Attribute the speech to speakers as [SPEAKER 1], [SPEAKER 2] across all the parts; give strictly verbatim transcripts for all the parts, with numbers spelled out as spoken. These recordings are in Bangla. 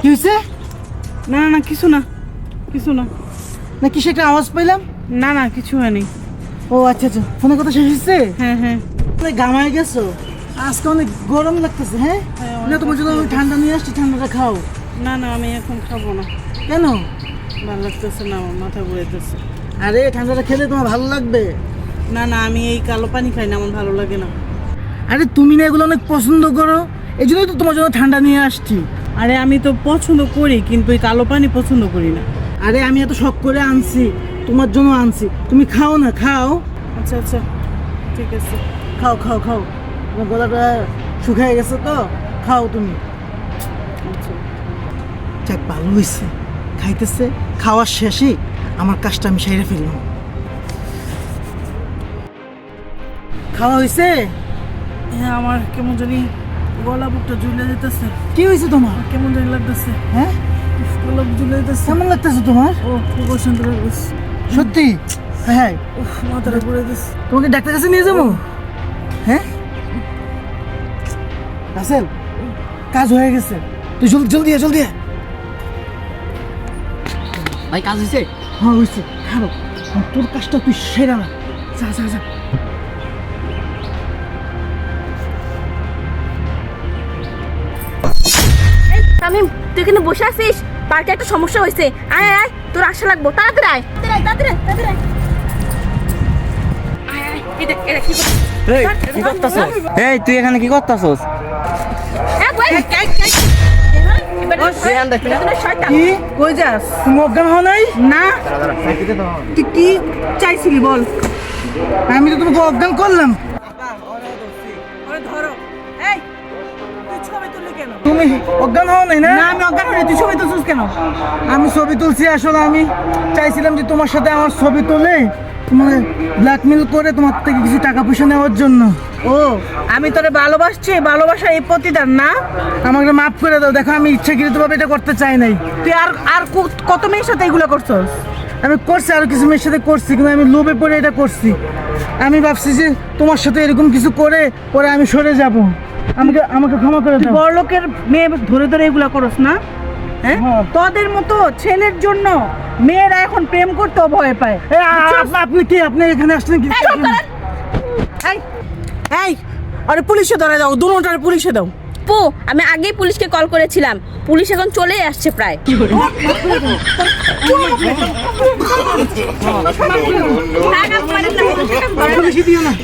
[SPEAKER 1] কি হয়েছে?
[SPEAKER 2] না না না কিছু না, কিছু না।
[SPEAKER 1] না কিসে একটা আওয়াজ পাইলাম?
[SPEAKER 2] না না কিছু হয়নি।
[SPEAKER 1] ও আচ্ছা আচ্ছা, ফোনের কথা শেষ হয়েছে?
[SPEAKER 2] হ্যাঁ হ্যাঁ
[SPEAKER 1] তুমি গামায় গেছো, আজকে অনেক গরম লাগতেছে। হ্যাঁ
[SPEAKER 2] হ্যাঁ,
[SPEAKER 1] না, তোমার জন্য আমি ঠান্ডা নিয়ে আসছি, ঠান্ডাটা খাও।
[SPEAKER 2] না না আমি এখন খাবো না,
[SPEAKER 1] কেন?
[SPEAKER 2] ভালো লাগতেছে না, আমার মাথা ঘুরাইতেছে।
[SPEAKER 1] আরে ঠান্ডাটা খেলে তোমার ভালো লাগবে।
[SPEAKER 2] না না আমি এই কালো পানি খাই না, আমার ভালো লাগে না।
[SPEAKER 1] আরে তুমি না এগুলো অনেক পছন্দ করো, এই জন্যই তো তোমার জন্য ঠান্ডা নিয়ে আসছি।
[SPEAKER 2] আরে আমি তো পছন্দ করি, কিন্তু এই কালো পানি পছন্দ করি না।
[SPEAKER 1] আরে আমি এত শখ করে আনছি, তোমার জন্য আনছি, তুমি খাও না, খাও।
[SPEAKER 2] আচ্ছা আচ্ছা ঠিক আছে।
[SPEAKER 1] খাও খাও খাও, তোমার গলাটা শুকিয়ে গেছে তো, খাও তুমি।
[SPEAKER 2] আচ্ছা
[SPEAKER 1] যাক ভালো হয়েছে, খাইতেছে। খাওয়ার শেষে আমার কাজটা আমি সেরে ফেললাম। খাওয়া হয়েছে?
[SPEAKER 2] হ্যাঁ আমার কেমন জানি গলা বুকটা ঝুলে যেতেছে।
[SPEAKER 1] কি হয়েছে তোমার?
[SPEAKER 2] কেমন জানি লাগতেছে,
[SPEAKER 1] হ্যাঁ
[SPEAKER 2] গলা বুক ঝুলে যেতেছে।
[SPEAKER 1] কেমন লাগতেছে তোমার?
[SPEAKER 2] ও খুব অশান্তি লাগতেছে।
[SPEAKER 1] সত্যি? হ্যাঁ,
[SPEAKER 2] উফ, মাথাটা ঘুরে দিচ্ছে।
[SPEAKER 1] তোমাকে ডাক্তার কাছে নিয়ে যাবো? হ্যাঁ রাসেল, কাজ হয়ে গেছে, তুই জলদি জলদি আয়, জলদি আয়।
[SPEAKER 3] ভাই কাজ হয়েছে?
[SPEAKER 1] হ্যাঁ হয়েছে, খাবো। তোর কাজটা তুই সেরা না, যা যা যা।
[SPEAKER 4] তামিম, তুই এখানে বসে আছিস? পার্কে একটা সমস্যা হয়েছে, আয় আয় আয়, তোর আসা লাগবো, তাড়াতাড়ি আয়, তাড়াতাড়ি আয়, তাড়াতাড়ি আয়, তাড়াতাড়ি আয়। আয়, আয়, এই দেখ, এই দেখ, কি করছিস?
[SPEAKER 3] এই কি করতাছস? এই তুই এখানে কি করতাছস?
[SPEAKER 4] এই, বই। এবার
[SPEAKER 2] ও,
[SPEAKER 4] এই,
[SPEAKER 3] ধ্যান রাখবি না?
[SPEAKER 4] এখানে শয়তান।
[SPEAKER 2] কি কই যাস?
[SPEAKER 1] তুমি অজ্ঞান হও নাই?
[SPEAKER 2] না তুই কি চাইছিলি বল?
[SPEAKER 1] আমি তো তোমাকে অজ্ঞান করলাম।
[SPEAKER 2] ওরে ধরো। এই তুই ছবি তুললি কেন?
[SPEAKER 1] তুমি অজ্ঞান হও নাই না?
[SPEAKER 2] না আমি অজ্ঞান হইনি, তুই ছবি তুলছিস কেন?
[SPEAKER 1] আমি ছবি তুলছি, আসলে আমি চাইছিলাম যে তোমার সাথে আমার ছবি তুলে তোমাকে ব্ল্যাকমেল করে তোমার থেকে কিছু টাকা পয়সা নেওয়ার জন্য।
[SPEAKER 2] ও আমি তোরে ভালোবাসছি, ভালোবাসা এই প্রতিদান না?
[SPEAKER 1] আমাকে মাফ করে দাও, দেখো আমি ইচ্ছাকৃতভাবে এটা করতে চাই নাই।
[SPEAKER 2] তুই আর আর কত- কত মেয়ের সাথে এগুলো করছস?
[SPEAKER 1] আমি করছি, আরো কিছু মেয়ের সাথে করছি, কিন্তু আমি লোভে পড়ে এটা করছি। আমি ভাবছি যে তোমার সাথে এরকম কিছু করে পরে আমি সরে যাব। আমাকে আমাকে ক্ষমা করে
[SPEAKER 2] তুই
[SPEAKER 1] দাও।
[SPEAKER 2] বড় লোকের মেয়ে ধরে ধরে এগুলো করস না? হ্যাঁ
[SPEAKER 1] হ্যাঁ।
[SPEAKER 2] তোদের মতো ছেলের জন্য মেয়েরা এখন প্রেম করতেও ভয় পায়।
[SPEAKER 1] এই, আ- আপনি আপনি কি আপনি এখানে আসলেন কি?
[SPEAKER 4] এই, চুপ করেন।
[SPEAKER 2] এই এই আরে পুলিশে ধরে দাও, দুটোটারে পুলিশে দাও।
[SPEAKER 4] পু, আমি আগেই পুলিশকে কল করেছিলাম, পুলিশ এখন চলেই আসছে প্রায়। থাক, আর পারেন না, পারেন না।
[SPEAKER 1] বেশি দিও না।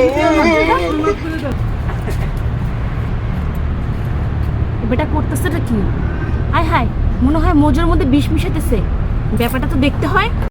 [SPEAKER 4] বেটা করতেছেটা কি? হায় হায়, মনে হয় মোজোর মধ্যে বিষ মিশাতেছে, ব্যাপারটা তো দেখতে হয়।